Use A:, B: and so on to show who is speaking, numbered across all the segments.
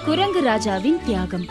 A: குரங்கு ராஜாவின் தியாகம்.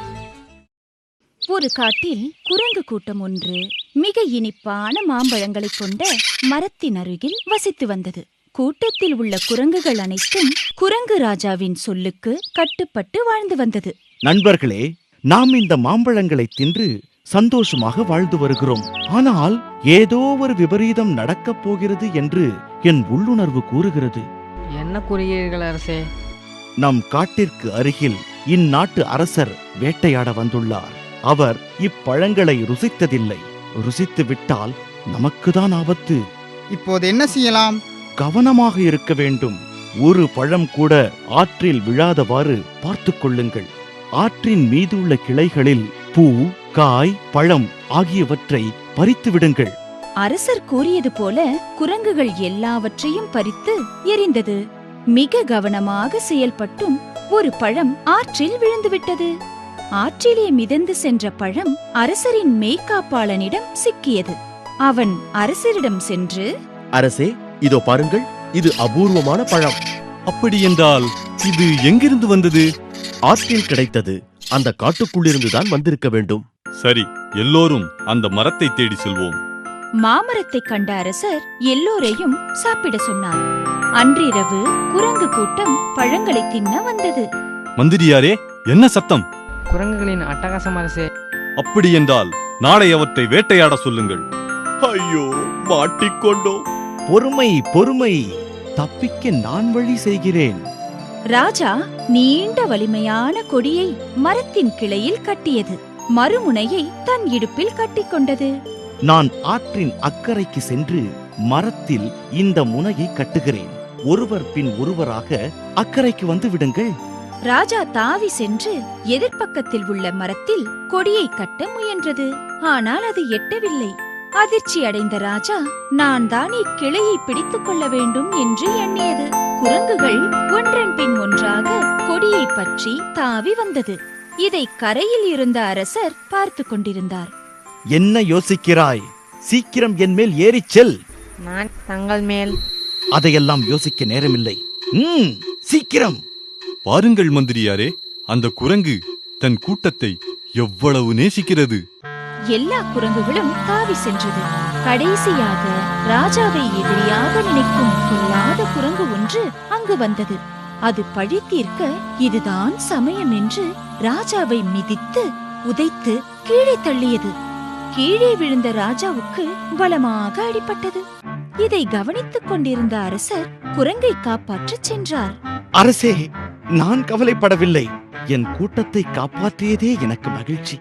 A: ஒரு காட்டில் குரங்கு கூட்டம் ஒன்று மிக இனிப்பான மாம்பழங்களைக் கொண்ட மரத்தின் அருகில் வசித்து வந்தது. கூட்டத்தில் உள்ள குரங்குகள் அனைத்தும் குரங்கு ராஜாவின் சொல்லுக்கு கட்டுப்பட்டு வாழ்ந்து வந்தது.
B: நண்பர்களே, நாம் இந்த மாம்பழங்களை தின்று சந்தோஷமாக வாழ்ந்து வருகிறோம். ஆனால் ஏதோ ஒரு விபரீதம் நடக்கப் போகிறது என்று என் உள்ளுணர்வு கூறுகிறது.
C: என்ன கூறுகிறீர்கள் அரசே?
B: நம் காட்டிற்கு அருகில் இந்நாட்டு அரசர் வேட்டையாட வந்துள்ளார். அவர் இப்பழங்களை ருசித்ததில்லை. ருசித்து விட்டால் நமக்குதான் ஆபத்து.
D: இப்போது என்ன செய்யலாம்?
B: கவனமாக இருக்க வேண்டும். ஒரு பழம் கூட ஆற்றில் விழாதவாறு பார்த்து கொள்ளுங்கள். ஆற்றின் மீதுள்ள கிளைகளில் பூ, காய், பழம் ஆகியவற்றை பறித்து விடுங்கள்.
A: அரசர் கூறியது போல குரங்குகள் எல்லாவற்றையும் பறித்து எரிந்தது. மிக கவனமாக செயல்பட்டும் ஒரு பழம் ஆற்றில் விழுந்துவிட்டது. ஆற்றிலே மிதந்து சென்ற பழம் அரசரின் மெய்காப்பாளனிடம் சிக்கியது. அவன் அரசரிடம் சென்று,
E: அரசே, இதோ பாருங்கள், இது அபூர்வமான பழம்.
F: அப்படியென்றால் இது எங்கிருந்து வந்தது?
E: ஆற்றில் கிடைத்தது. அந்த காட்டுக்குள்ளிருந்துதான் வந்திருக்க வேண்டும்.
F: சரி, எல்லோரும் அந்த மரத்தை தேடி செல்வோம்.
A: மாமரத்தைக் கண்ட அரசர் எல்லோரையும் சாப்பிட சொன்னார். அன்றிரவு குரங்கு கூட்டம் பழங்களை தின்ன வந்தது.
F: மந்திரியாரே, என்ன சத்தம்?
C: குரங்குகளின் அட்டகாசம் அரசே.
F: அப்படியென்றால் நாளை அவற்றை வேட்டையாட சொல்லுங்கள்.
E: ஐயோ, மாட்டிக்கொண்டோம்.
B: பொறுமை, பொறுமை. தப்பிக்க நான் வழி செய்கிறேன்.
A: ராஜா நீண்ட வலிமையான கொடியை மரத்தின் கிளையில் கட்டியது. மறுமுனையை தன் இடுப்பில் கட்டிக்கொண்டது.
B: நான் ஆற்றின் அக்கறைக்கு சென்று மரத்தில் இந்த முனையை கட்டுகிறேன். ஒருவர் பின் ஒருவராக அக்கறைக்கு வந்து விடுங்கள்.
A: ராஜா தாவி சென்று எதிர்ப்பக்கத்தில் உள்ள மரத்தில் கொடியை கட்ட முயன்றது. ஆனால் அது எட்டவில்லை. அதிர்ச்சி அடைந்த ராஜா, நான் தான் இக்கிளையை பிடித்துக் கொள்ள வேண்டும் என்று எண்ணியது. குரங்குகள் ஒன்றன் பின் ஒன்றாக கொடியை பற்றி தாவி வந்தது. இதை கரையில் இருந்த அரசர் பார்த்து கொண்டிருந்தார்.
B: என்ன யோசிக்கிறாய்? சீக்கிரம் என் மேல் ஏறிச் செல்.
C: நான் தங்கள் மேல்.
B: அதையெல்லாம் யோசிக்க நேரமில்லை. சீக்கிரம்
F: பாருங்கள் மந்திரியாரே, அந்த குரங்கு தன் கூட்டத்தை எவ்வளவு நேசிக்கிறது.
A: எல்லா குரங்குகளும் தாவி சென்றது. கடைசியாக ராஜாவை எதிரியாக நினைக்கும் கொல்லாத குரங்கு ஒன்று அங்கு வந்தது. அது பழி தீர்க்க இதுதான் சமயம் என்று ராஜாவை மிதித்து உதைத்து கீழே தள்ளியது. கீழே விழுந்த ராஜாவுக்கு பலமாக அடிபட்டது. இதை கவனித்துக் கொண்டிருந்த அரசர் குரங்கை காப்பாற்றச் சென்றார்.
B: அரசே, நான் கவலைப்படவில்லை. என் கூட்டத்தை காப்பாற்றியதே எனக்கு மகிழ்ச்சி.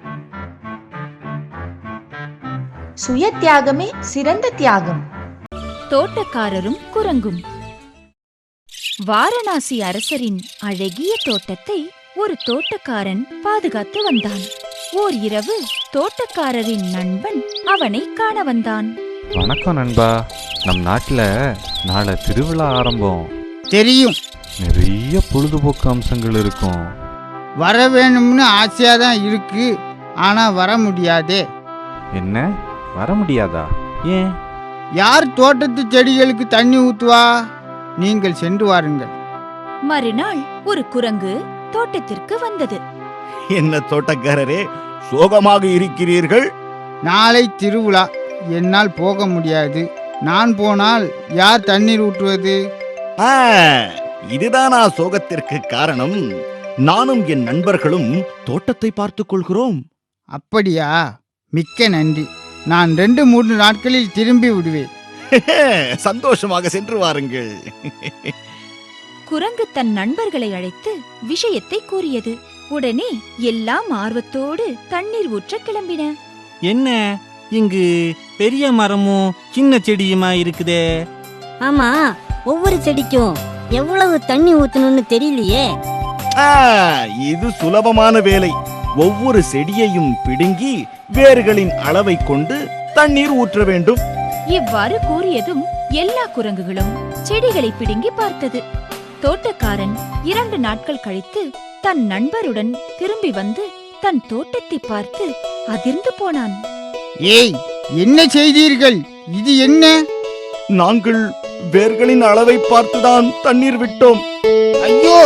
G: சுய தியாகமே சிறந்த தியாகம்.
A: தோட்டக்காரரும் குரங்கும். வாரணாசி அரசரின் அழகிய தோட்டத்தை ஒரு தோட்டக்காரன் பாதுகாத்து வந்தான். ஓர் இரவு தோட்டக்காரரின் நண்பன் அவனை காண வந்தான்.
H: வணக்கம் நண்பா, நம் நாட்டில் நாளை திருவிழா ஆரம்பம்.
D: தெரியும்.
H: நிறைய பொழுதுபோக்கு அம்சங்கள் இருக்கும்.
D: வர வேணும்னு ஆசையா தான் இருக்கு, ஆனா வர முடியாதே.
H: என்ன, வர முடியாதா? ஏன்?
D: யார் தோட்டத்து செடிகளுக்கு தண்ணி ஊத்துவா? நீங்கள் சென்று வாருங்கள்.
A: மறுநாள் ஒரு குரங்கு தோட்டத்திற்கு வந்தது.
B: என்ன தோட்டக்காரரே, சோகமாக இருக்கிறீர்கள்?
D: நாளை திருவிழா, என்னால் போக முடியாது. நான் போனால் யார் தண்ணீர் ஊற்றுவது?
B: இதுதானா சோகத்திற்கு காரணம்? நானும் என் நண்பர்களும் தோட்டத்தை பார்த்துக் கொள்கிறோம்.
D: அப்படியா? மிக்க நன்றி. நான் 2-3 நாட்களில் திரும்பி விடுவேன்.
B: சந்தோஷமாக சென்று வாருங்கள்.
A: குரங்கு தன் நண்பர்களை அழைத்து விஷயத்தை கூறியது. உடனே எல்லாம் ஆர்வத்தோடு தண்ணீர் ஊற்ற கிளம்பின.
I: என்ன, இங்கு பெரிய மரமும் சின்ன செடியுமா இருக்குதே?
J: ஆமா, ஒவ்வொரு செடிக்கும் எவ்வளவு தண்ணி ஊத்தணும்னு தெரியலையே.
B: இது சுலபமான வேலை. ஒவ்வொரு செடியையும் பிடுங்கி வேர்களின் அளவை கொண்டு தண்ணீர் ஊற்ற வேண்டும்.
A: இவ்வாறு கூறியதும் எல்லா குரங்குகளும் செடிகளை பிடுங்கி பார்த்தது. தோட்டக்காரன் 2 நாட்கள் கழித்து தன் நண்பருடன் திரும்பி வந்து தன் தோட்டத்தை பார்த்து அதிர்ந்து போனான்.
D: ஏய், என்ன செய்தீர்கள்? இது என்ன?
B: நாங்கள் வேர்களின் அளவை பார்த்துதான் தண்ணீர் விட்டோம்.
D: ஐயோ,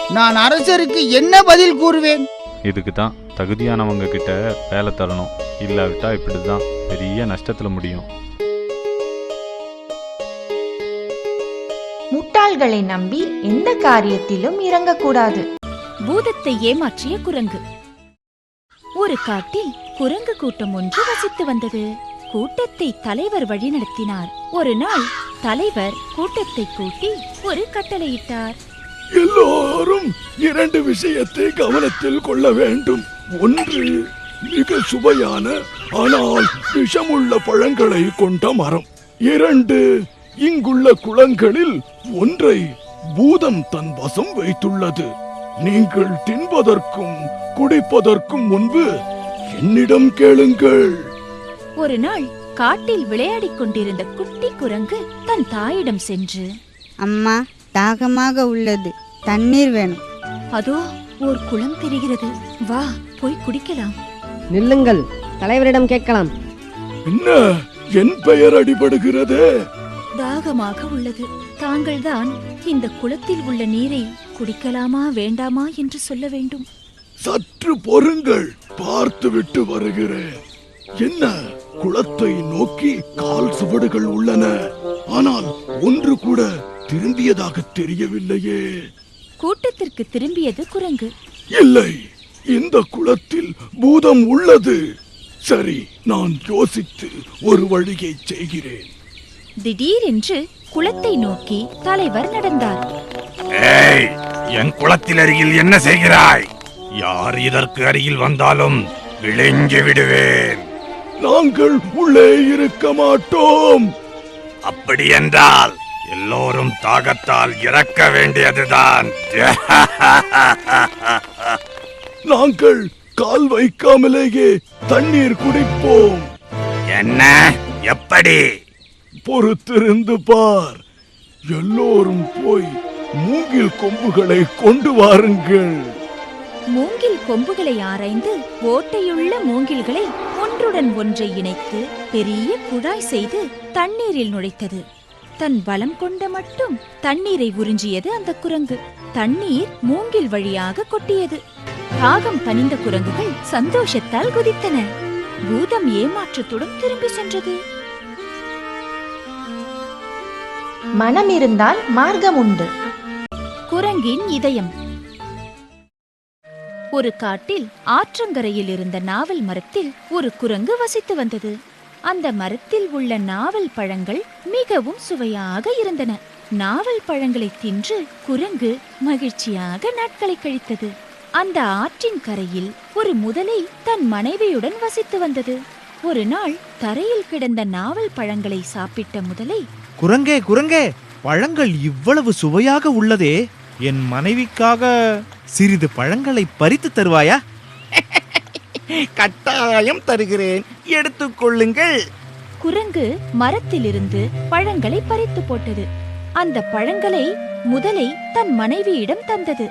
D: நான் அரசருக்கு என்ன பதில் கூறுவேன்?
H: இதுக்கு தான் தகுதியானவங்க கிட்ட வேலை தரணும். இல்லாவிட்டா இப்படிதான் பெரிய நஷ்டத்துல முடியும்.
G: முட்டாள்களை நம்பி எந்த காரியத்திலும் இறங்கக்கூடாது.
A: பூதத்தை ஏமாற்றிய குரங்கு. ஒரு காட்டில் குரங்கு கூட்டம் ஒன்று வசித்து வந்தது. கூட்டத்தை தலைவர் வழிநடத்தினார். ஒரு நாள் தலைவர் கூட்டத்தை கூட்டி ஒரு கட்டளையிட்டார்.
B: எல்லோரும் 2 விஷயத்தை கவனத்தில் கொள்ள வேண்டும். ஒன்று, மிக சுவையான ஆனால் விஷமுள்ள பழங்களை கொண்ட மரம். 2, இங்குள்ள குளங்களில் ஒன்றை பூதம் தன் வசம் வைத்துள்ளது. நீங்கள் தின்பதற்கும் குடிப்பதற்கும் முன்பு என்னிடம் கேளுங்கள்.
A: ஒரு நாள் காட்டில் விளையாடிக் கொண்டிருந்த குட்டி குரங்கு தன் தாயிடம் சென்று,
J: அம்மா, தாகமாக உள்ளது, தண்ணீர் வேணும்.
A: அதோ ஓர் குளம் தெரிகிறது, வா போய் குடிக்கலாம்.
C: நில்லுங்கள், தலைவரிடம் கேட்கலாம்.
B: என்ன, என் பெயர் அடிபடுகிறது?
A: தாகமாக உள்ளது. தாங்கள்தான் இந்த குளத்தில் உள்ள நீரை குடிக்கலாமா வேண்டாமா என்று சொல்ல வேண்டும்.
B: சற்று பொறுங்கள், பார்த்துவிட்டு வருகிறேன். என்ன, குளத்தை நோக்கி கால் சுவடுகள் உள்ளன, ஆனால் ஒன்று கூட திரும்பியதாக தெரியவில்லையே.
A: கூட்டத்திற்கு திரும்பியது குரங்கு.
B: இல்லை, இந்த குளத்தில் பூதம் உள்ளது. சரி, நான் யோசித்து ஒரு வழியை செய்கிறேன்.
A: திடீரென்று குளத்தை நோக்கி தலைவர் நடந்தார்.
F: ஏய், என் குளத்தில் அருகில் என்ன செய்கிறாய்? யார் இதற்கு அருகில் வந்தாலும் விழுங்கி விடுவேன்.
B: நாங்கள் உள்ளே இருக்க மாட்டோம்.
F: அப்படி என்றால் எல்லோரும் தாகத்தால் இறக்க வேண்டியதுதான்.
B: நாங்கள் கால் வைக்காமலேயே தண்ணீர் குடிப்போம்.
F: என்ன, எப்படி?
B: பொறுத்திருந்து பார். எல்லோரும் போய் மூங்கில் கொம்புகளை கொண்டு வாருங்கள்.
A: மூங்கில் கொம்புகளை ஆராய்ந்து ஓட்டையுள்ள மூங்கில்களை ஒன்றுடன் ஒன்றை இணைத்து பெரிய குழாய் செய்து தண்ணீரில் நுழைத்தது. தன் பலம் கொண்ட மட்டும் தண்ணீரை உறிஞ்சியது அந்த குரங்கு. தண்ணீர் மூங்கில் வழியாக கொட்டியது. தாகம் தணிந்த குரங்குகள் சந்தோஷத்தால் குதித்தன. பூதம் ஏமாற்றத்துடன் திரும்பி சென்றது.
G: மனம் இருந்தால் மார்க்கம் உண்டு.
A: குரங்கின் இதயம். ஒரு காட்டில் ஆற்றங்கரையில் இருந்த நாவல் மரத்தில் ஒரு குரங்கு வசித்து வந்தது. அந்த மரத்தில் உள்ள நாவல் பழங்கள் மிகவும் சுவையாக இருந்தன. நாவல் பழங்களை தின்று குரங்கு மகிழ்ச்சியாக நாட்களை கழித்தது. அந்த ஆற்றின் கரையில் ஒரு முதலை தன் மனைவியுடன் வசித்து வந்தது. ஒரு நாள் தரையில் கிடந்த நாவல் பழங்களை சாப்பிட்ட முதலை,
I: குரங்கே குரங்கே, பழங்கள் இவ்வளவு சுவையாக உள்ளதே, என் மனைவிக்காக சிறிது பழங்களை பறித்து தருவாயா?
E: கட்டாயம் தருகிறேன், எடுத்துக்கொள்ளுங்கள்.
A: குரங்கு மரத்திலிருந்து பழங்களை பறித்து போட்டது. அந்த பழங்களை முதலை தன் மனைவியிடம் தந்தது.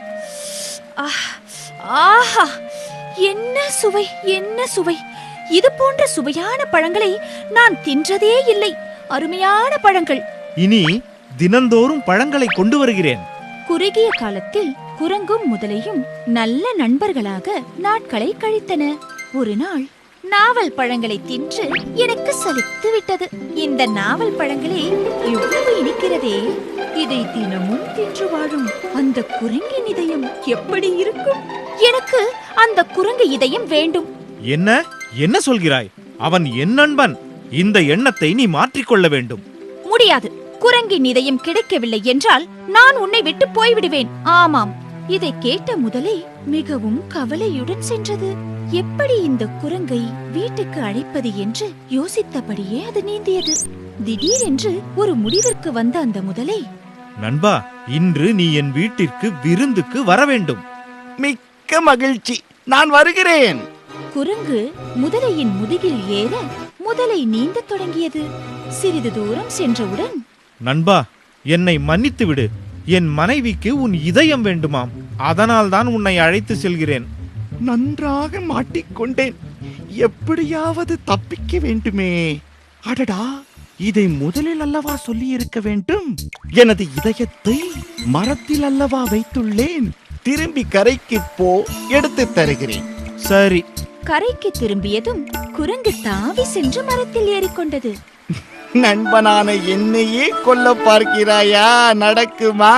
A: ஆஹா, என்ன சுவை, என்ன சுவை! இது போன்ற சுவையான பழங்களை நான் தின்றதே இல்லை. அருமையான பழங்கள்.
I: இனி தினந்தோறும் பழங்களை கொண்டு வருகிறேன்.
A: குறுகிய காலத்தில் குரங்கும் முதலையும் நல்ல நண்பர்களாக நாட்களை கழித்தன. ஒரு நாள் நாவல் பழங்களை தின்று எனக்கு சலித்து விட்டது. இந்த நாவல் பழங்களே எவ்வளவு இனிக்கிறதே! இதை தினமும் தின்று வாழும் அந்த குரங்கின் இதயம் எப்படி இருக்கும்? எனக்கு அந்த குரங்கு இதயம் வேண்டும்.
I: என்ன என்ன சொல்கிறாய்? அவன் என் நண்பன். இந்த எண்ணத்தை நீ மாற்றிக்கொள்ள வேண்டும்.
A: முடியாது. குரங்கின் இதயம் கிடைக்கவில்லை என்றால் நான் உன்னை விட்டு போய்விடுவேன். ஆமாம். இதை கேட்ட முதலை மிகவும் கவலையுடன் சென்றது. எப்படி இந்த குரங்கை வீட்டுக்கு அழைப்பது என்று யோசித்தபடியே அது நீந்தியது. திடீரென்று ஒரு முடிவிற்கு வந்த அந்த முதலை,
I: நண்பா, இன்று நீ என் வீட்டிற்கு விருந்துக்கு வர வேண்டும்.
E: மிக்க மகிழ்ச்சி, நான் வருகிறேன்.
A: குரங்கு முதலையின் முதுகில் ஏற முதலை நீந்தத் தொடங்கியது. சிறிது தூரம் சென்றவுடன்,
I: நண்பா, என்னை மன்னித்து விடு. என் மனைவிக்கு உன் இதயம் வேண்டுமாம். அதனால் தான் உன்னை அழைத்து செல்கிறேன்.
E: நன்றாக மாட்டிக்கொண்டேன். எப்படியாவது தப்பிக்க வேண்டுமே. அடடா,
B: இதை முதலில் அல்லவா சொல்லி இருக்க வேண்டும்? எனது இதயத்தை மரத்தில் அல்லவா வைத்துள்ளேன். திரும்பி கரைக்கு போ, எடுத்து தருகிறேன்.
I: சரி.
A: கரைக்கு திரும்பியதும் குரங்கு தாவி சென்று மரத்தில் ஏறிக்கொண்டது.
B: நண்பனான என்னையே கொல்ல பார்க்கிறாயா? நடக்குமா?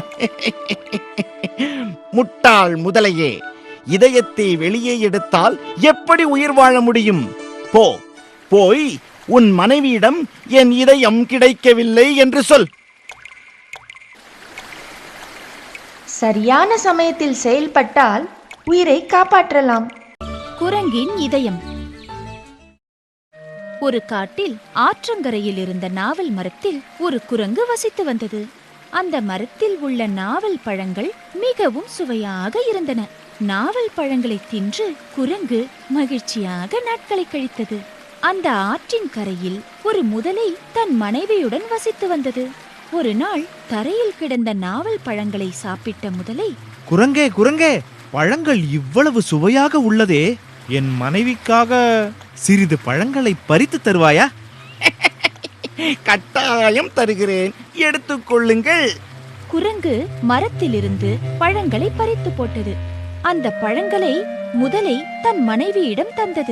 B: முட்டாள் முதலையே, இதயத்தை வெளியே எடுத்தால் எப்படி உயிர் வாழ முடியும்? போய் உன் மனைவியிடம் என் இதயம் கிடைக்கவில்லை என்று சொல்.
G: சரியான சமயத்தில் செயல்பட்டால் உயிரை காப்பாற்றலாம்.
A: குரங்கின் இதயம். ஒரு காட்டில் ஆற்றங்கரையில் இருந்த நாவல் மரத்தில் ஒரு குரங்கு வசித்து வந்தது. அந்த மரத்தில் உள்ள நாவல் பழங்கள் மிகவும் சுவையாக இருந்தன. நாவல் பழங்களை தின்று குரங்கு மகிழ்ச்சியாக நாட்களை கழித்தது. அந்த ஆற்றின் கரையில் ஒரு முதலை தன் மனைவியுடன் வசித்து வந்தது. ஒரு நாள் தரையில் கிடந்த நாவல் பழங்களை சாப்பிட்ட முதலை,
I: குரங்கே, பழங்கள் இவ்வளவு சுவையாக உள்ளதே, என் மனைவிக்காக சிறிது பழங்களை பறித்து தருவாயா?
B: கட்டாயம் தருகிறேன், எடுத்துக்கொள்ளுங்கள்.
A: குரங்கு மரத்திலிருந்து பழங்களை பறித்து போட்டது. அந்த பழங்களை முதலை தன் மனைவியிடம் தந்தது.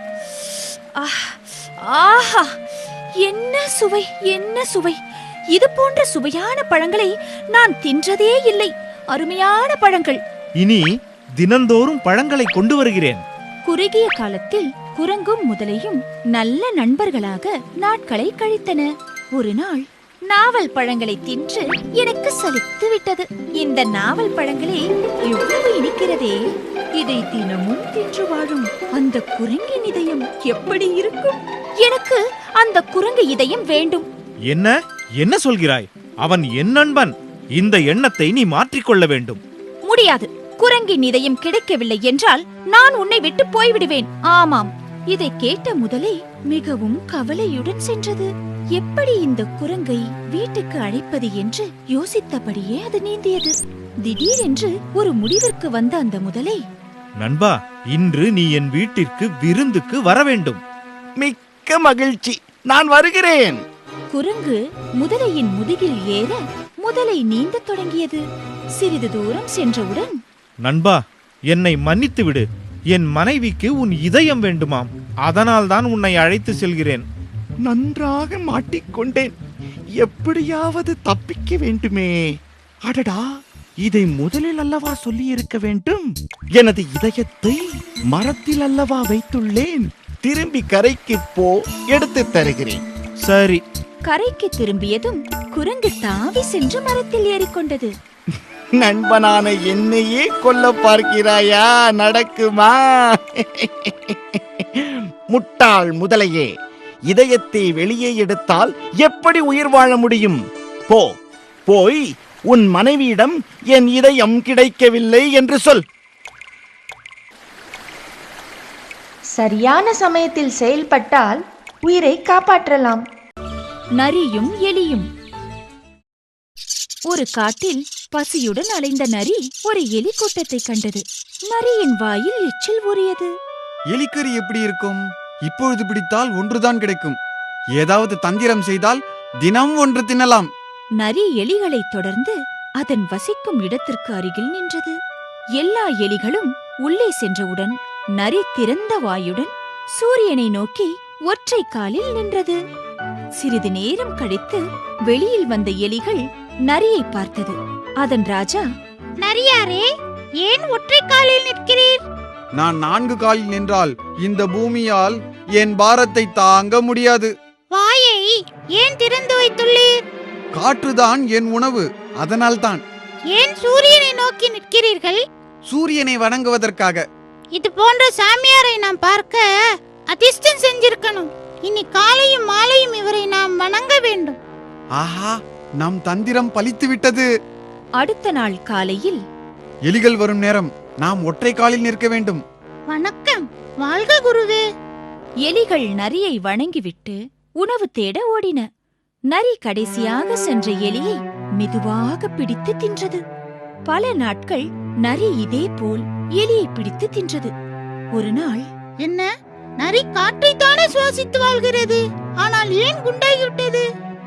A: ஆஹா, என்ன சுவை, என்ன சுவை! இது போன்ற சுவையான பழங்களை நான் தின்றதே இல்லை. அருமையான பழங்கள்.
I: இனி தினந்தோறும் பழங்களை கொண்டு வருகிறேன்.
A: குறுகிய காலத்தில் குரங்கும் முதலையும் நல்ல நண்பர்களாக நாட்களை கழித்தன. ஒரு நாள் நாவல் பழங்களை தின்று எனக்கு சலித்து விட்டது. இந்த நாவல் பழங்களே எவ்வளவு இனிக்கிறதே! இதை தினமும் தின்று வாழும் அந்த குரங்கின் இதயம் எப்படி இருக்கும்? எனக்கு அந்த குரங்கு இதயம் வேண்டும்.
I: என்ன சொல்கிறாய்? அவன் என் நண்பன். இந்த எண்ணத்தை நீ மாற்றிக்கொள்ள வேண்டும்.
A: முடியாது. குரங்கின் இதயம் கிடைக்கவில்லை என்றால் நான் உன்னை விட்டு போய்விடுவேன். ஆமாம். இதை கேட்ட முதலை மிகவும் கவலையுடன் சென்றது. எப்படி இந்த குரங்கை வீட்டுக்கு அழைப்பது என்று யோசித்தபடியே அது நீந்தியது. திடீரென்று ஒரு முடிவிற்கு வந்த அந்த முதலை,
I: நண்பா, இன்று நீ என் வீட்டிற்கு விருந்துக்கு வர வேண்டும்.
B: மிக்க மகிழ்ச்சி, நான் வருகிறேன்.
A: குரங்கு முதலையின் முதுகில் ஏற முதலை நீந்தத் தொடங்கியது. சிறிது தூரம் சென்றவுடன்,
I: நண்பா, என்னை மன்னித்து விடு. என் மனைவிக்கு உன் இதயம் வேண்டுமாம். அதனால்தான் உன்னை அழைத்து செல்கிறேன்.
B: நன்றாக மாட்டிக்கொண்டேன். எப்படியாவது தப்பிக்க வேண்டுமே. அடடா, இதை முதலில் அல்லவா சொல்லி இருக்க வேண்டும்? எனது இதயத்தை மரத்தில் அல்லவா வைத்துள்ளேன். திரும்பி கரைக்கு போ, எடுத்து தருகிறேன்.
I: சரி.
A: கரைக்கு திரும்பியதும் குரங்கு தாவி சென்று மரத்தில் ஏறிக்கொண்டது.
B: நண்பனான என்னையே கொல்ல பார்க்கிறாயா? நடக்குமா? முட்டாள் முதலையே, இதயத்தை வெளியே எடுத்தால் எப்படி உயிர் வாழ முடியும்? போய் உன் மனைவியிடம் என் இதயம் கிடைக்கவில்லை என்று சொல்.
G: சரியான சமயத்தில் செயல்பட்டால் உயிரை காப்பாற்றலாம்.
A: நரியும் எலியும். ஒரு காட்டில் பசியுடன் அலைந்த நரி ஒரு எலி கூட்டத்தை கண்டது. நரியின் வாயில் எச்சில் ஊறியது.
K: எலிக்கறி எப்படி இருக்கும்? இப்பொழுது பிடித்தால் ஒன்றுதான் கிடைக்கும். ஏதாவது தந்திரம் செய்தால் தினம் ஒன்று தின்னலாம்.
A: நரி எலிகளை தொடர்ந்து அதன் வசிக்கும் இடத்திற்கு அருகில் நின்றது. எல்லா எலிகளும் உள்ளே சென்றவுடன் நரி திறந்த வாயுடன் சூரியனை நோக்கி ஒற்றை காலில் நின்றது. சிறிது நேரம் கழித்து வெளியில் வந்த எலிகள் நரியை பார்த்தது. அதன் ராஜா,
L: நரியாரே, ஏன் ஒற்றை காலில் நிற்கிறீர்?
K: நான் 4 காலில் நின்றால் இந்த பூமியால் என் பாரத்தை தாங்க முடியாது.
L: வாயை ஏன் திறந்து வைத்துள்ளீர்?
K: காற்றுதான் என் உணவு, அதனால்தான்.
L: ஏன் சூரியனை நோக்கி நிற்கிறீர்கள்?
K: சூரியனை வணங்குவதற்காக.
L: இது போன்ற சாமியாரை நாம் பார்க்க அதிர்ஷ்டம் செஞ்சிருக்கணும். இனி காலையும் மாலையும் இவரை நாம் வணங்க வேண்டும்.
K: ஆஹா, நம் தந்திரம் பலித்து விட்டது.
A: அடுத்த நாள் காலையில்,
K: எலிகள் வரும் நேரம் நாம் ஒற்றை காலில் நிற்க வேண்டும்.
L: வணக்கம், வாழ்க குருவே.
A: எலிகள் நரியை வணங்கிவிட்டு உணவு தேட ஓடின. நரி கடைசியாக சென்ற எலியை மெதுவாக பிடித்து தின்றது. பல நாட்கள் நரி இதே போல் எலியை பிடித்து தின்றது. ஒரு நாள்,
L: என்ன, நரி காற்றைத்தானே சுவாசித்து வாழ்கிறது? ஆனால் ஏன் குண்டாகிவிட்டது?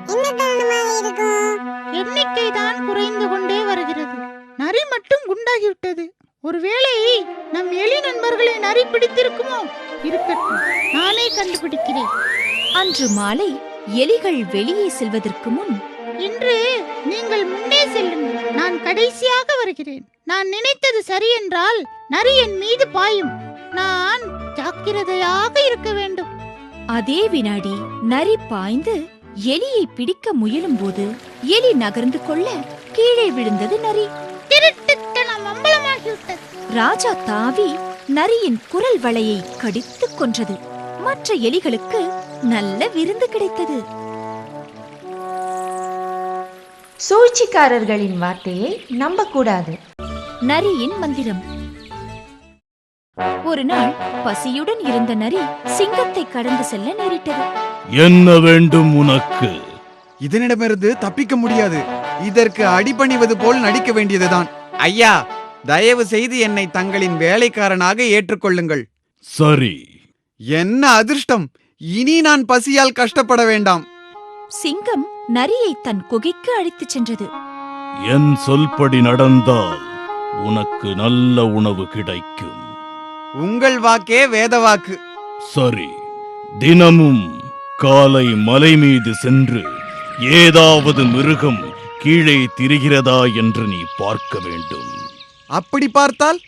L: எண்ணிக்கை தான் குறைந்து கொண்டே வருகிறது. நரி மட்டும் குண்டாகிவிட்டது. ஒருவேளை நம் எலி நண்பர்களை நரி பிடித்திருக்குமோ? இருக்கட்டும், நானே கண்டுபிடிக்கிறேன்.
A: அன்று மாலை எலிகள் வெளியே செல்வதற்கு முன்,
L: இன்று நீங்கள் முன்னே செல்லுங்கள், நான் கடைசியாக வருகிறேன். நான் நினைத்தது சரி என்றால் நரி என் மீது பாயும். நான் ஜாக்கிரதையாக இருக்க வேண்டும்.
A: அதே வினாடி நரி பாய்ந்து எலியை பிடிக்க முயலும் போது எலி நகர்ந்து கொள்ள கீழே விழுந்தது நரி.
L: திருட்டுத்தனம் அம்பலமாகிவிட்டது.
A: ராஜா தாவி நரியின் குரல் வளையை கடித்துக் கொன்றது. மற்ற எலிகளுக்கு நல்ல விருந்து கிடைத்தது.
G: சூழ்ச்சிக்காரர்களின் வார்த்தையை நம்பக்கூடாது.
A: நரியின் மந்திரம். ஒரு நாள் பசியுடன் இருந்த நரி சிங்கத்தை கடந்து செல்ல நேரிட்டது.
B: என்ன வேண்டும் உனக்கு?
K: இதனிடமிருந்து தப்பிக்க முடியாது. இதற்கு அடிபணிவது போல் நடிக்க வேண்டியதுதான். ஐயா, தயவு செய்து என்னை தங்களின் வேலைக்காரனாக ஏற்றுக்கொள்ளுங்கள்.
B: சரி.
K: என்ன அதிர்ஷ்டம்! இனி நான் பசியால் கஷ்டப்பட வேண்டாம்.
A: சிங்கம் நரியை தன் குகைக்கு அழைத்துச் சென்றது.
B: என் சொல்படி நடந்தால் உனக்கு நல்ல உணவு கிடைக்கும்.
K: உங்கள் வாக்கே வேதவாக்கு.
B: சரி, தினமும் காலை மலை மீது சென்று ஏதாவது மிருகம் கீழே திரிகிறதா என்று நீ பார்க்க வேண்டும்.
K: அப்படி பார்த்தால்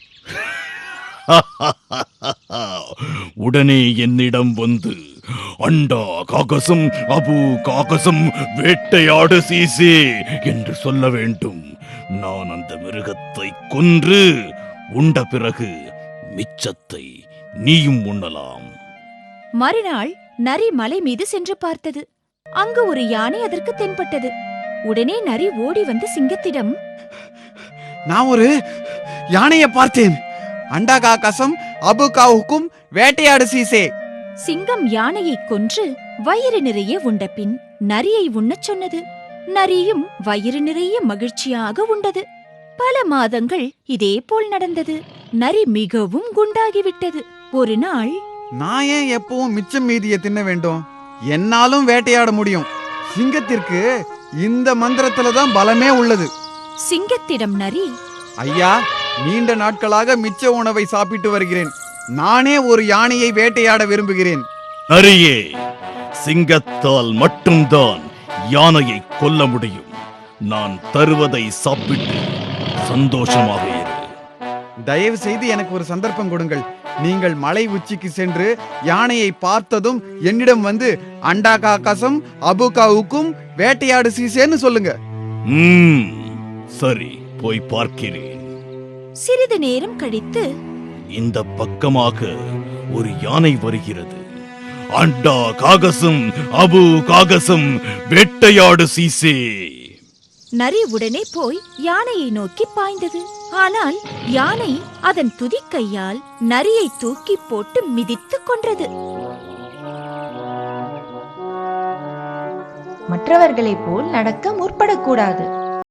B: உடனே என்னிடம் வந்து அண்டா காகசம் அபு காகசம் வேட்டையாடு சீசே என்று சொல்ல வேண்டும். நான் அந்த மிருகத்தை கொன்று உண்ட பிறகு மிச்சத்தை நீயும் உண்ணலாம்.
A: மறுநாள் நரி மலை மீது சென்று பார்த்தது. அங்கு ஒரு யானை அதற்கு தென்பட்டது. உடனே நரி ஓடி வந்து சிங்கத்திடம்,
K: நான் ஒரு யானையை பார்த்தேன். அண்டா காகசம் அபு காவுக்கும் வேட்டையாடு சீசே.
A: சிங்கம் யானையை கொன்று வயிறு நிறைய உண்ட பின் நரியை உண்ணச் சொன்னது. நரியும் வயிறு நிறைய மகிழ்ச்சியாக உண்டது. பல மாதங்கள் இதே போல் நடந்தது. நரி மிகவும் குண்டாகிவிட்டது. ஒரு நாள்,
K: நான் ஏன் எப்பவும் மிச்சம் மீதியை தின்ன வேண்டும்? என்னாலும் வேட்டையாட முடியும். சிங்கத்திற்கு இந்த மந்திரத்துல தான் பலமே உள்ளது.
A: சிங்கத்திடம் நரி,
K: ஐயா, நீண்ட நாட்களாக மிச்ச உணவை சாப்பிட்டு வருகிறேன். நானே ஒரு யானையை வேட்டையாட விரும்புகிறேன்.
B: நரியே, சிங்கத்தால் மட்டும்தான் யானையை கொல்ல முடியும். நான் தருவதை சாப்பிட்டு சந்தோஷமாக இரு.
K: தயவு செய்து எனக்கு ஒரு சந்தர்ப்பம் கொடுங்கள். நீங்கள் மலை உச்சிக்கு சென்று யானையை பார்த்ததும் என்னிடம் வந்து அண்டா காகசம் அபு காவுக்கும் வேட்டையாடு சீசேன்னு சொல்லுங்க.
B: சரி, போய் பார்க்கிறேன்.
A: சிறிது நேரம் கழித்து,
B: இந்த பக்கமாக ஒரு யானை வருகிறது. அண்டா காகசம் அபு காகசம் வேட்டையாடு சீசே.
A: நரி உடனே போய் யானையை நோக்கி பாய்ந்தது. ஆனால் யானை அதன் துதிக்கையால் நரியை தூக்கி போட்டு மிதித்துக் கொன்றது.
G: மற்றவர்களைப் போல் நடக்க முற்படக்கூடாது.